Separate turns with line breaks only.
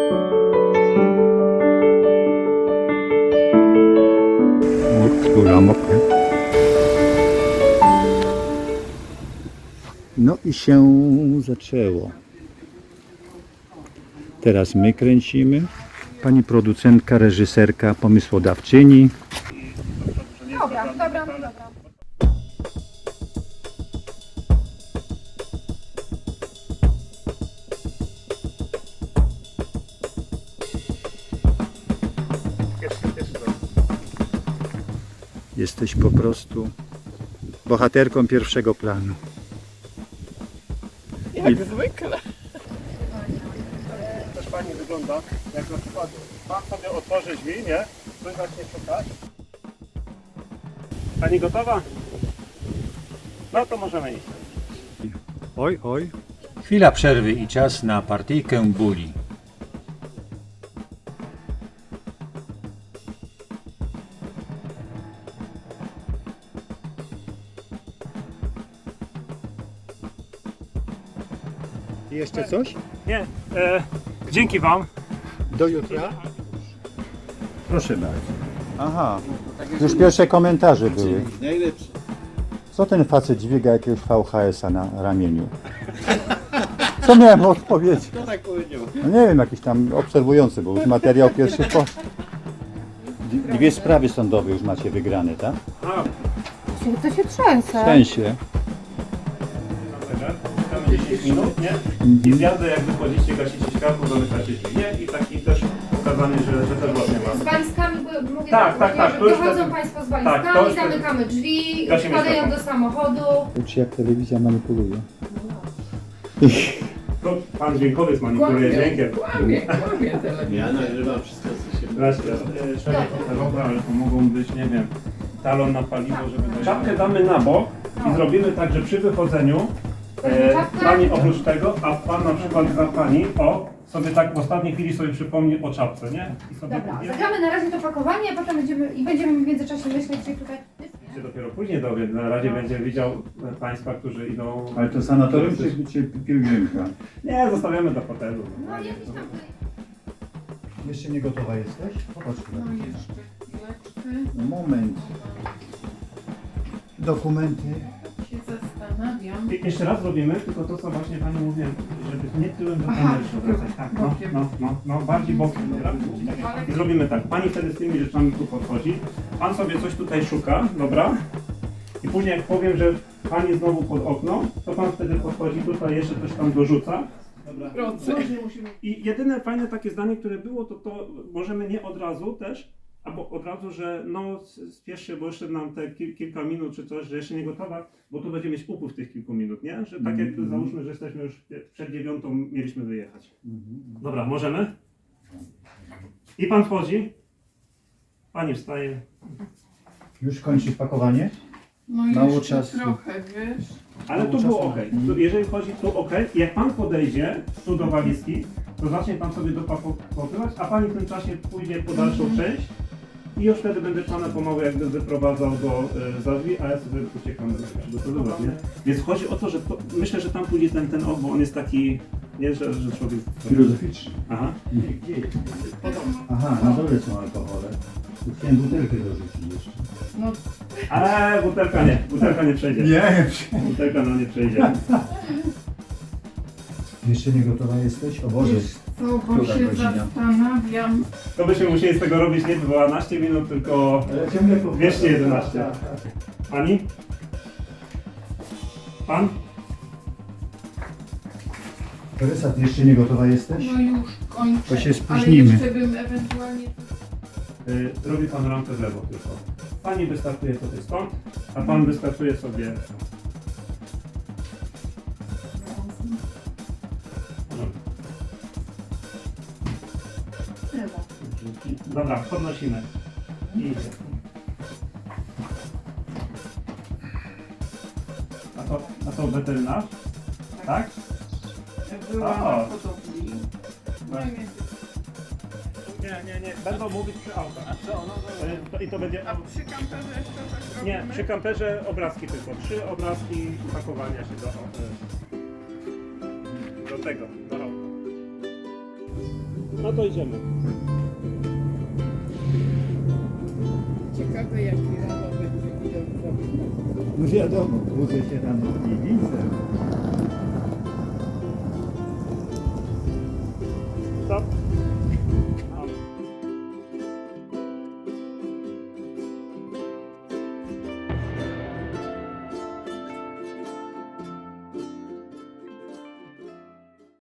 Skóra mokra. No i się zaczęło. Teraz my kręcimy. Pani producentka, reżyserka, pomysłodawczyni.
Dobra.
Jesteś po prostu bohaterką pierwszego planu.
Jak zwykle.
Też fajnie wygląda, jak na przykład pan sobie otworzy drzwi, nie? Ktoś zacznie szukać. Pani gotowa? No to możemy iść.
Oj, oj.
Chwila przerwy i czas na partyjkę buli.
Jeszcze coś?
Nie, dzięki wam.
Do jutra? Proszę bardzo. Aha, już pierwsze komentarze były.
Najlepszy.
Co ten facet dźwiga jakiegoś VHS-a na ramieniu? Co miałem odpowiedzieć?
Kto tak powiedział?
No nie wiem, jakiś tam obserwujący, bo już materiał pierwszy poszedł. Dwie sprawy sądowe już macie wygrane, tak?
To się trzęsę.
W sensie.
10 minut, nie? I zjadę, jak wychodzicie, gasicie światło, zamykacie drzwi, nie? I taki też pokazanie, że też właśnie
Z
ma.
walizkami, bo mówię
Tak,
że
to już
dochodzą
wtedy-
Państwo z
tak,
walizkami,
to już wtedy-
zamykamy drzwi,
Gasimy
wpadają
światło.
do samochodu.
Uczy jak telewizja manipuluje.
To pan dźwiękowiec manipuluje dźwiękiem.
Kłamie telewizja. Ja nagrywam wszystko, co się...
Dobra, ale to mogą być, nie wiem, talon na paliwo, żeby... Czapkę damy na bok i zrobimy tak, że przy wychodzeniu pani oprócz tego, a pan na przykład za pani, sobie tak w ostatniej chwili sobie przypomni o czapce, nie? I sobie
Dobra, zagramy na razie to pakowanie, a potem będziemy w międzyczasie myśleć, gdzie tutaj...
się dopiero później dowie, na razie będzie widział państwa, którzy idą...
Ale to sanatorium czy pielgrzymka?
Nie, zostawiamy do hotelu.
No jakiś tam...
Jeszcze nie gotowa jesteś? Popatrz.
No jeszcze chwileczkę.
No moment. Dokumenty.
Się zastanawiam.
I jeszcze raz zrobimy, tylko to co właśnie pani mówiłem, żeby nie tyłem do
Aha,
kamery się odwracać. Tak, no, bardziej bokiem. Dobra? I zrobimy tak, pani wtedy z tymi rzeczami tu podchodzi, pan sobie coś tutaj szuka, dobra? I później jak powiem, że pani znowu pod okno, to pan wtedy podchodzi tutaj, jeszcze coś tam dorzuca. I jedyne fajne takie zdanie, które było, to możemy nie od razu też, albo od razu, że no spiesz się, bo jeszcze nam te kilka minut czy coś, że jeszcze nie gotowa, bo tu będzie mieć upływ tych kilku minut, nie? Że tak jak załóżmy, że jesteśmy już przed 9, mieliśmy wyjechać. Dobra, możemy? I pan wchodzi. Pani wstaje.
Już kończysz pakowanie?
No
Mało
jeszcze
czasu.
trochę, wiesz.
Ale tu było ok. Jeżeli chodzi tu ok, jak pan podejdzie tu do walizki, to zacznie pan sobie dopakowywać, a pani w tym czasie pójdzie po dalszą część i już wtedy będę pana pomału jakby wyprowadzał za drzwi, a ja sobie uciekam przygotowywać, nie? Więc chodzi o to, że myślę, że tam pójdzie ten ok, bo on jest taki, nie, że człowiek...
Filozoficzny.
Aha.
Aha, na dole są alkohole. Tu chciałem butelkę dorzucić jeszcze.
No
Ale butelka nie przejdzie.
Nie.
Butelka nie przejdzie.
Jeszcze nie gotowa jesteś? O Boże.
wiesz co, bo
Która
się
godzina?
zastanawiam.
To byśmy musieli z tego robić nie 12 minut, tylko
Ale ciągle powtarzam.
211. Pani? Pan?
Tereса, ty jeszcze nie gotowa jesteś?
No już kończę.
To się spóźnimy.
Ale jeszcze bym ewentualnie...
Robi pan rampę w lewo tylko. Pani wystartuje sobie stąd, a pan wystartuje sobie... Dobra, podnosimy. I idzie. A to weterynarz? Tak?
Jak była
O.
na hodowli. No i
Nie. Będą mówić przy autach. A co? I to będzie...
A przy kamperze jeszcze tak
Nie,
robimy?
przy kamperze obrazki tylko. 3 obrazki pakowania się do tego, do auta. No to idziemy.
Ciekawe jaki rano będzie widok.
No wiadomo, budzę się rano i widzę.
Stop.